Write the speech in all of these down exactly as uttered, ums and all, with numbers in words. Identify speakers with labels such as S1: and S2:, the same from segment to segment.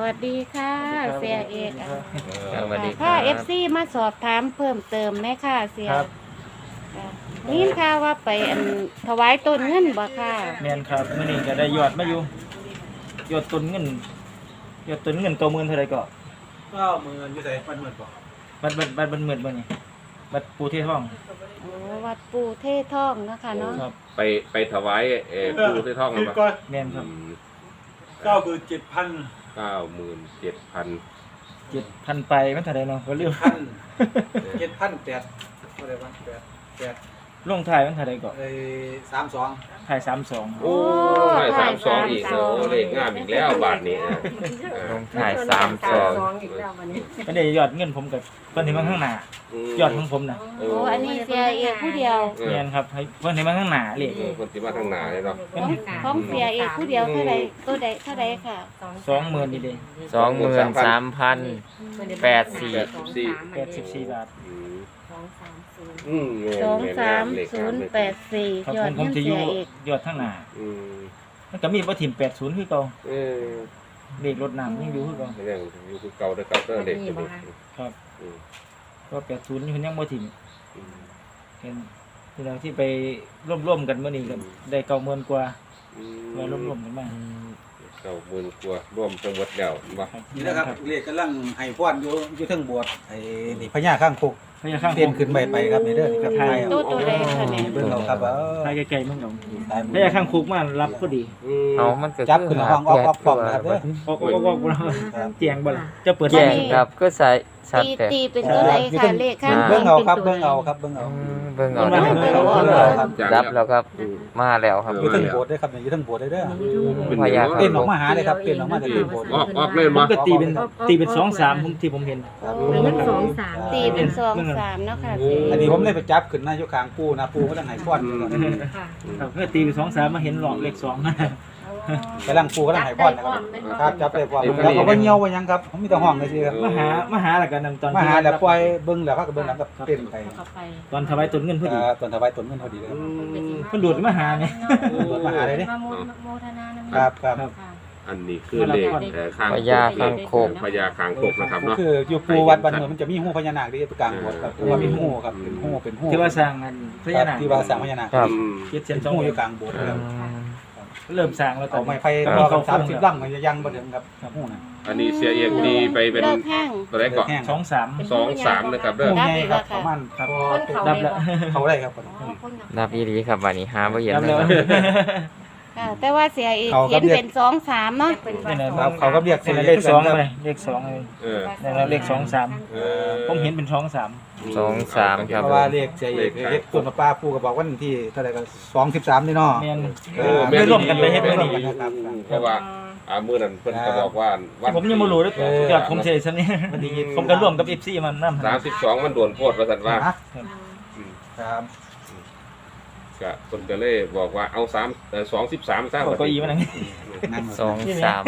S1: วัสดีค่ะเสียเอกอ่ะ
S2: สวัสดีค
S1: ค่ะ
S2: รับ
S1: เอฟซีมาสอบถามเพิ่มเติมไหมค่ะเสีย
S3: ครับ
S1: ค่ะนี่ค่ะว่าไปอันถวายต้นเงินบ่ค่ะ
S3: แม่นครับมื้อนี้ก็ได้ยอดมาอยู่ยอดต้นเงินยอดต้นเงินเก้าหมื่นเท่าไหร่ก็
S4: เก้าหมื่นอยู่ใส่ปันหมื่นบ่
S3: บัดบัดบัดบัดหมื่นบ่นี่บัดปูเททอง
S1: โอ้วัดปู่เททองเนาะคะเนาะ
S3: ครับ
S2: ไปไปถวายเอ่อปูที่ท่อง
S4: คิด
S2: มา
S4: ก่อน
S3: แม่นครับ
S4: เก้าหมื่นเจ็ดพัน
S2: เก้าหมื่นเจ็ดพัน
S3: เจ็ดพันไปมันเท่าไหร่เนาะก็ลืม
S4: พันเจ็ดพันแปดอะไรบ้างแปดแปด
S3: ลงท้ายมันเท่าไหร่ก็
S4: เอ้สามสอง
S3: ท้ายสามสอง
S2: โอ้ยสามสองอีกโอ้เลขงามอีกแล้วบาทนี้อ่ะเออ
S5: ลงถ่ายสามสอง
S3: ก็ได้ยอดเงินผมกับเพิ่นให้มาข้างหน้า
S2: ม
S3: ยอดของผมน่ะ
S2: โอ้
S1: โอ้อันนี้เสียเอกผู้เดียว
S2: เออ
S3: แม่นครับให้เพิ่นให้มาข้างหน้าเลข
S2: เออคนที่มาทางหน้าเลยเนาะ
S1: ของของเสียเอกผู้เดียวเท่าใดตัวใดเท่าใดค่ะ
S3: สองหมื่นนี่เด้
S5: สองหมื่นสามพันแปดสี่
S2: แปดสิบสี่
S3: แปดสิบสี่บาท
S2: อืม
S6: สองสามศูนย์
S2: อืมแม่น
S1: สองสาม
S2: เลข
S1: ศู
S2: ง
S1: นย์
S2: เลข
S1: แปดสี่
S3: ครับ
S1: ยอ
S3: ผ
S1: ด
S3: มผ
S1: เงิ
S3: ม
S1: น
S3: จะอ
S1: เสี
S3: ยู่
S1: ยเอก
S3: ยอดข้างหน้า
S2: อืม
S3: มันก็มีบ่ถิ่มแปดสิบคือเก่า
S2: เออ
S3: เลขรถน้ำยังอยู่คือเก่า
S2: เรื่องอยู่คือเก่าเด้อเก่าเด้อเลขตัวนี้
S3: ครับ
S2: อืม
S3: ก็แปดสิบนี่เพิ่นยังบ่ถิ่ม
S2: อืม
S3: เป็นที่เราที่ไปร่วมๆกันเมื่อนี้กันได้เก้าหมื่นกว่า
S2: อื
S3: มาร่วมๆกันมา
S2: เก้าหมื่นกว่าร่วมทั้งหมดแล้วบ่
S3: ครับ
S4: นี่นะครับเรียกกำลังให้พรอยู่อยู่เทั้งโบสถ์ไอ้นี่พญาข้างคก
S3: พยาข้าง
S4: เต้นขึ้นไปไปครับนี่เด้อนี่ครับไทย
S1: ตัวตัวใดค่ะเนี่ย
S4: เบิ่งเอาครับเออ
S3: ไปไกลๆมั่งเอา
S4: ตาย
S3: พยาข้างคุกมารับก็ดี
S2: อืม
S5: เอามันก็
S4: จับขึ้นห้องออกออกปล่องนะครับเด้อ
S3: ออกออกออกเราเตียงบ่ล่ะจะเปิด
S5: แจ้งครับก็ใส่ชัด
S1: ตี
S5: แต่
S1: ตีเป็นตัวใดค่ะเลขข้าง
S4: เบิ่งเอาครับ
S1: ป็
S4: เบิ่
S1: น
S4: ง
S1: ตัว
S4: เอา
S1: ใด
S4: ครับเบิ่งเอา
S5: อืมเบิ่งเอา
S3: เบิ่
S5: ได้
S3: งเอา
S4: เบิ่งเอาครับ
S5: รับแล้วครับ
S2: อืม
S5: มาแล้วครับ
S4: อยู่เทั้งโบสถ์ด้วยครับอยู่เทั้งโบสถ์ด้วยเด้อ
S2: เป็น
S5: พยา
S2: เนาะ
S5: ครับ
S4: เต้นออกมาหาเลยครับเต้นออกมาจากเต้นโบสถ์
S2: ออกออกเลย
S3: มั
S2: มา
S3: นก็ตีเป็นตีเป็นสองสามผมที่ผมเห็น
S4: ครับ
S6: เป็นเงินสองสาม
S1: ตีเป็นสองสามเนาะค่ะเสีย
S4: อันนี้ผมเลยไปจับขึ้นหน้าอยู่ข้างปูนะปูก็ต้องให้พรอยู่ก่อน
S6: ค่ะ
S3: ครับก็ตีเป็นสองสามมาเห็นหลอกเลขสองนะ
S4: กำลังปูก็ต้องให้พรนะครับครับจับได้พรแล้วเขาก็เหี่ยวไว้ยังครับผมมีแต่ห้องเลยสิครับ
S3: มาหามาหาแล้วกันนำตอน
S4: มาหาแล้วปล่อยเบิ่งแล้วเขาก็เบิ่งแล้วก็เต้นไป
S6: เข้าไป
S3: ตอนถวายต้นเงินพอดี
S4: อ่าตอนถวายต้นเงินพอดีเลยครับ
S3: เพิ่นดูดมาหาไง
S4: ตรวจมาหาเลยดิ
S6: มาโมโมทนานะ
S4: ครับครับ
S3: ครับ
S6: ค่ะ
S2: อันนี้คือเลขเอ่อข้าง
S5: พญาข้างโคก
S2: พญาข้างโคกนะครับเนาะ
S4: คืออยู่ปูวัดบ้านเมืองมันจะมีหูพญานาคที่กลางโบสถ์ครับเพราะว่ามีหูครับเป็นหูเป็นหู
S3: ที่ว่าสร้างอันพญานาค
S4: ที่ว่าสร้างพญานาค
S5: ครับ
S2: อืม
S3: เจ็ดเซ
S4: เป็น น
S3: สอง
S4: หูอ
S3: เดือยู่
S4: กลางโบสถ์ครับ
S3: เริ่มสร้างแล้วตอ
S4: เอา
S3: น
S4: ไม้
S3: นี้
S4: ไผ่รอกันสามสิบลำมันจะยังบ่ถึงครับหูน่ะ
S2: อันนี้เสียเอกดีไปเป็น
S1: เลิกแห้ง
S2: ตัวแรกก่อน
S4: แห้ง
S3: สองสาม
S2: สองสามนะครับเด้อ
S4: หูใหญ่ครับประมาณ
S3: ครับ
S6: คนเขา
S3: ดับ
S6: เล
S3: แล้
S6: ยว บ่
S4: เขาได้ครับ
S6: อ๋อคนเขา
S5: รับอีดีครับวันนี้หาบ่เห็น
S3: ดับ
S5: เล
S3: แล้ว
S5: ย
S1: ค่ะแต่ว่าเสียเอกเขียนเป็นสองสามเนาะ
S6: เป็น
S3: นี่แหละ
S4: ครับเขาก็เรียก
S3: เป็นเลขสองเลยเลขสองเลย
S2: เออ
S3: นี่แหละเลขสองสาม
S2: เออ
S3: ผมเห็นเป็นสองสาม
S5: สองสามครับ
S4: เพราะว่าเรียกใจเอกเฮ็ดต้นมะป้าปูก็บอกวันที่เท่าไหร่ก็สองสิบสามนี่เนาะ
S3: แม่น
S4: เออ
S3: ไม่ร่วมกันไปเฮ็ด
S4: ไม่
S3: มื้อ
S4: ร่วม
S3: นี้
S4: กันนะครับ
S2: เพราะว่าอ่ามื้อนั้นเพิ่นก็บอกว่าวัน
S3: ผมยังบ่รู้เลยยอดผมเฉยซะนี่ผมก็ร่วมกับ เอฟ ซี มันนำ
S2: สามสิบสองมันโดนโพดว่าซั่นว่า
S4: นะ
S2: อืม
S4: ครับ
S2: ก็เพิ่นก็เลยบอกว่าเอาสามเอ่อสองสิบสามซะ
S3: เอาเก้าอี้มานั่ง
S4: นั่ง
S5: สองสาม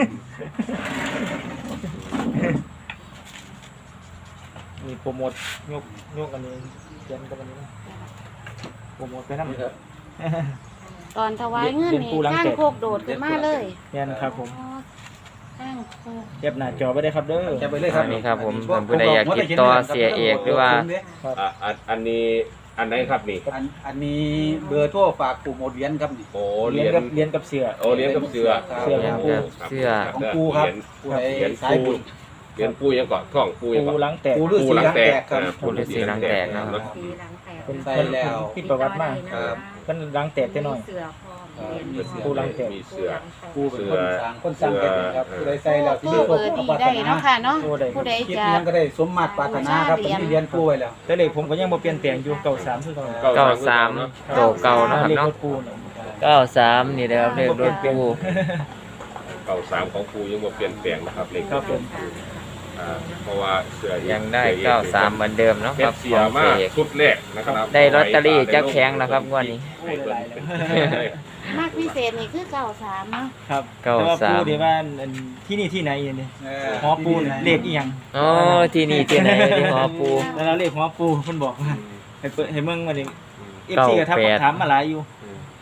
S3: มีโปรโมทยกยกอันนี้เขียนกับอันนี้นะโปรโมทไปนำ
S1: ตอนถวายเงินนี่ข้างโคกโดดขึ้นมาเลย
S3: แม่นครับผม
S1: อ๋อข้างโคก
S3: เก็บหน้าจอไว้ได้ครับเด้อ
S4: จะไปเลยครับ
S5: อันนี้ครับผมเพิ่นผู้ใดอยากติดต่อเสียเอกหรือว่า
S2: อ่ะอันอันนี้อันไหนครับนี่
S4: อันอันนี้เบอร์โทรฝากปู่หมดเหรียญครับนี่
S2: โอ้
S3: เรี
S2: เห
S3: ย
S2: รี
S3: น
S2: ย
S3: กับ
S2: ญ
S3: เรียนกับเสือ
S2: โอ้เหรียญกับเสือ
S4: ครับ
S3: เสือของปู่
S5: เสื้อ
S4: ของปู่ครับ
S2: เหรียญ
S4: ผู้ใด
S2: เหรียญ
S4: สาย
S2: ปู
S4: บุญ
S2: เหรียญปูยังเกาะท่องปูยัง
S3: ปู
S2: เกาะ
S3: ล้างแตก
S4: ปู่ฤาษีหลังแตกครับ
S2: อ่า
S5: ปู่ฤาษีหลังแตกนะครับ
S6: ปีหลังแตก
S3: เป็น
S4: ใส่แล้ว
S3: ที่ประวัติมาก
S4: ครับ
S3: มันล้างแตกแต่น้อย
S6: เสือพร้อม
S4: เออมีเสือ
S3: ปูหลังแตก
S2: มีเสือ
S4: ปู่เป็นคนสร้างคนสร้างแก่นครับผู้ใดใส่แล้วที่
S1: โทรเบอร์ดีได้เนาะค่ะเนาะผู้ใด
S4: คิด
S1: จะ
S4: ยังก็ได้สมมาตรปรารถนาครับผมที่เรียนปู่ไว้แล้ว
S3: แต่เลขผมก็ยังบ่เปลี่ยนแปลงอยู่เก้าสามคือเก่า
S5: เก้าสามโตเก่านะครับ
S3: เลข
S5: เนาะ
S3: รถปูเนี่ย
S5: เก้าสามนี่นะครับเลขรถปู
S2: เก่าสามของปูยังบ่เปลี่ยนแปลงนะครับเลข
S3: ครับผม
S2: อ่าเพราะว่าเสือ
S5: ยังได้เก้าสามเหมือนเดิมเนาะ
S2: เป็
S5: ครั
S2: น
S5: บ
S2: เสี
S5: ข
S2: ย
S5: อง
S2: มา
S5: เสี
S2: ก
S5: ยเอก
S2: ชุดแรกนะครับ
S5: ได้ลอตเตอรี่จักแพงนะครับงวดนี้
S2: ให้เพิ่น
S1: มากพิเศษนี่คือเก้าสามเนาะ
S3: ครับ
S5: เก้า
S3: แต่ว่า
S5: สาม
S3: ปูที่ว่าอันที่นี่ที่ไหนเนี่ย
S4: เอ
S3: หอปูนเลขอีหยัง
S5: อ๋อที่นี่ที่ไหนที่หอปู
S3: แล้วเราเลขหอปูเพิ่นบอกว่าให้เปิดให้เมืองมาดิเอฟ
S5: เก้า
S3: ซีก็ทัก
S5: แปด
S3: ถามมาหลายอยู่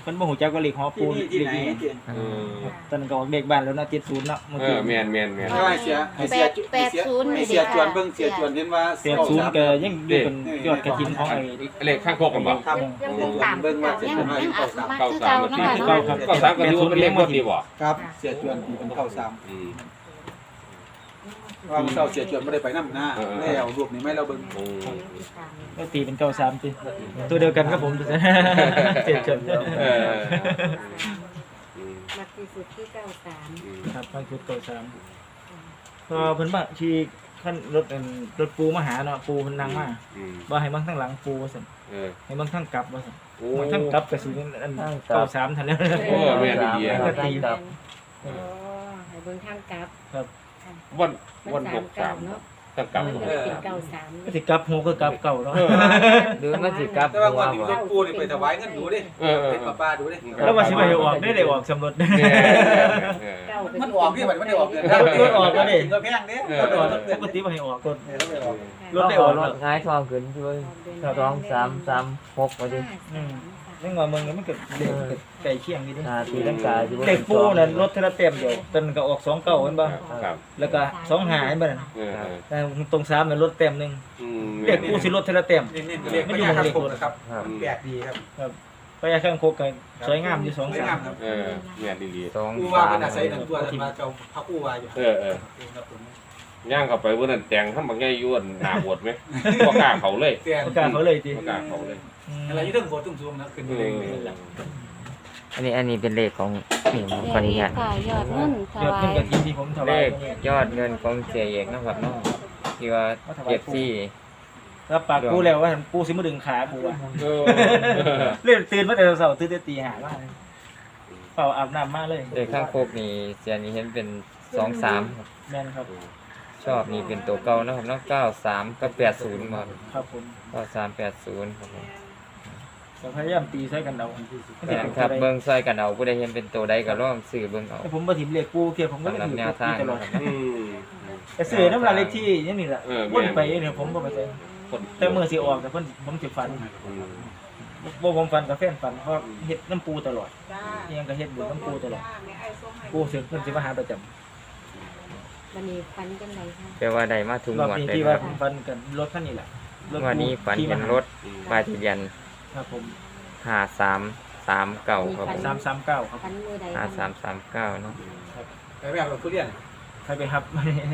S3: เพิ่นบ่ฮู้จักว่าเลขหอปู
S4: ที่นี่ที่
S3: เลข
S4: ไหน
S3: อีหยัง
S4: เก่ง
S2: อืม
S3: ตอนนั้นก็ออกเลขบ้านแล้วเนาะเจ็ดศูนย์เนาะเมื่อ
S2: เอ
S3: กี้
S2: อแม่นแม่นแม่น
S4: ใช่เสียให้เสียให้เสียให้เสียจวนเบิ่งเสียจวนเห็นว่า
S3: แปดศูนย์ก็ยังอยู่เป็นยอดกระถินของไอ้
S2: เลขข้างโคกกันบ่
S4: ครับ
S6: ยังคงตาม
S4: เบิ่งว่าเสีย
S1: ยั
S4: จ
S1: ง
S4: วนว่า
S1: ยัง
S4: เก้า
S1: อั
S4: สาม
S1: มาคือเก่าเนาะค่ะ
S2: เก้าสามก็ถือว่าเป็นเลขบ่ดีบ่
S4: ครับเสียจวนเป็นเก้าสาม
S2: อืม
S4: ว่าเก้าเสียจวนไม่ได้ไปน้ำหน้าแล้วรูปนี้ไม่เราเบิ่ง
S2: อืม
S3: ก็ตีเป็นเก้าสามติตัวเดียวกันครับผมเจ็ดจน
S2: เอออืม
S6: มาที่สุดที่เก้าสาม
S2: อืม
S3: ครับบางชุดเก้าสามพอเพิ่นมาขี่ขั้นรถอันรถปูมาหาเนาะปูเพิ่นนั่งมา
S2: อืม
S3: บ่ให้เบิ่งทางหลังปูว่าซั่น
S2: เออ
S3: ให้เบิ่งทางกลับว่าซั่น
S2: โอ้
S3: มันทางกลับก็สิอันเก้าสามทันแล้ว
S2: โอ้แม่นดีๆ
S5: ค
S2: ค
S5: รั
S2: รั
S5: บบ ทางกลับ
S6: อ๋อให้เบิ่งทางกลับ
S2: วัน
S6: มัน
S2: วันห
S6: สาม
S2: ก
S6: เก้า
S2: สาม
S6: เนาะ
S2: ตั้งกลับ
S6: มันก็เป็นเก้าสาม
S3: ก็สิกลับหัวก็กลับเก่าเนาะ
S5: หรือมันสิกลับ
S4: แต่
S5: หั
S4: ว่าว ก่อนที่
S5: บ่
S4: รถปูนี่ไปถวายเงินดูดิ
S2: เออเออ
S4: เป็น
S2: เออ
S4: ป้าๆดูดิ
S3: แล้วว่าสิไปให้ออกได้ได้ออกสำรวจ
S2: เนี่ยเออ
S6: เก้าเป็น
S4: มันออกที่มันไม่ได้ออกเดือน
S3: รถออกแล้วดิ
S4: ก็แพงเด้
S3: รถออกปกติบ่ให้ออกรถ
S4: แล้วไปออก
S3: รถได้ออก
S5: ร
S3: ร
S5: ถ
S3: ถ
S5: ง่ายทองขึ้นช่วยสองสามสามหกว่าดิ
S3: อืมนึกว่ามึงมันก็เด็กไก่เคียงนี่ดิ
S5: อ่าตีลังกาสิบ่
S3: เด็กปูนั่นรถเทระเต็มเดียวตอนก็ออกสองเก้าเห็นบ่
S2: ครับ
S3: แล้วก็สองหาเห็นบ่นั่น
S2: เออเออ
S3: แต่ตรงสามนั่นรถเต็มหนึง
S2: อืม
S3: เด็กปูสิรถเทระเต็ม
S4: นี่นี่เรียกไม่ยากครับผมนะครับ
S5: ครับ
S4: แปลกดีครับ
S3: ครับไปข้างโคกก็สวยงามอยู่สอง
S4: สวยาม
S3: สางม
S4: ครับ
S2: เออเนี่ยดี
S5: สอง
S4: กูว่า
S5: สา
S4: เป็
S5: ม
S4: นอาศัยหนึ่งตัวแต่มาเจ้าพระกูว่าอยู่
S2: ๆเออเออย่างเข้าไปวันนั้นแต่งทำบางแง่ยวนหน้าบวชไหมบ่กล้าเขาเลย
S4: เตียน
S3: ประกาศเขาเลยที
S2: บ่กล้าเขาเลย
S4: อะไรอยู่เรื่องโบตุ้งซูมนะขึ้น
S2: เอ
S4: เอง
S2: อ
S5: อันนี้อันนี้เป็นเลขของนี่ผมขออนุญาต
S1: ค่ะยอดเงินถ
S3: ยอด
S1: วา
S3: เงิน
S1: ย
S3: กับที่ที่ผมถ
S5: เล
S3: วาย
S5: ขยอดเงินของเสียเอกนะครับเนาะที่ว่าเก็บซี่
S3: รับปากกูแล้วว่ากูสิมาดึงขากูอ่ะ
S2: เออ
S3: เล่นตื่นมาแต่เช้าตื่นแต่ตีห้ามาเปล่าอาบน้ำมาเลย
S5: เลขข้างโคกนี่เสียนี้เห็นเป็นสองสามครับ
S3: แม่นครับ
S5: ชอบนี่เป็นตัวเก่านะครับเนาะเก้าสามกับแปดศูนย์มา
S3: ครับผม
S5: เก้าสามแปดศูนย์ครับผม
S3: แต่พยายามตีใส่กันเอา
S5: แม่นครับเบิ่งซอยกันเอาผู้ใดเห็นเป็นตัวใดก็ลองซื้อเบิ่งเอา
S3: แต่ผมมาถิ่มเลขกูเกี่ยวผมก็
S5: สำหรับ
S3: ถือ
S5: แนวทาง
S3: ตลอด
S5: นะครับ
S2: อืม
S3: แต่ซื้อน้ำลายเลขที่นี่นี่แหละ
S2: เออ
S3: วนไปเนี่ยผมก็ไปใส่
S2: คน
S3: แต่มือสิออกแต่เพิ่นผมสิฟัน
S2: อืม
S3: บ่ผมฟันกับแฟนฟันเพราะเฮ็ดน้ำปูตลอดอิหยังก็เฮ็ดบุญน้ำปูตลอดปูเสร็จเพิ่นสิมาหาประจำ
S6: วันนี้ฟันกันไหนคะ
S5: แต่ว่าได้มาทุก
S3: รอบ
S5: งวด
S3: นี้
S5: เลย
S3: ที่
S5: ค
S3: ว่า
S5: รับ
S3: ผมฟันกันรถคันนี้แหละรถ
S5: งวันนี้ฝัน
S3: ที่
S5: เห็น
S3: มาร
S5: ถป้ายทะเบียน
S3: ครับผม
S5: ห้าสามสามเก้าครับผม
S3: สามสามเก้าครับ
S6: ฟันมือใด
S5: ห้าสามสามเก้าเนาะ
S4: ไปแบบเราทุเรียน
S3: ใครไปครับ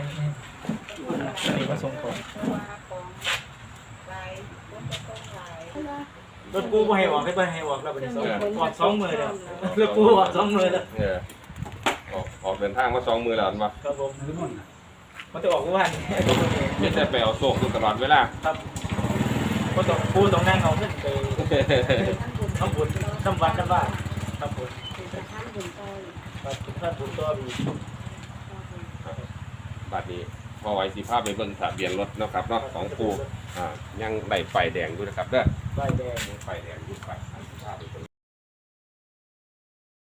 S3: นี่มาส่งของรถกูบ่ให้ออกให้บ่ให้ออกแล้วบัดนี้สองออกสองมือแล้วรถกูออกสองมือแล้ว
S2: เออออกออกเดินทางมาสองมือแล้วอันวะ
S3: ครับผมมันจะออกทุกวัน
S2: ไม่ใช่ไปเอาโศกอยู่ตลอดเวลา
S3: ครับก็ต้องกูต้องนั่งเอาเงินไปทำบุญทำวัดกันบ้างครับผม
S6: จะทำบุญต่อ
S3: ครับท่านบุญตัวมี
S2: บัดนี้พอไว้สิภาพไปเบิ่งทะเบียนรถเนาะครับเนาะของปูอ่ายังได้ไฟแดงอยู่นะครับเด้อ
S3: ใบแดง
S2: ไฟแดงอยู่ไฟ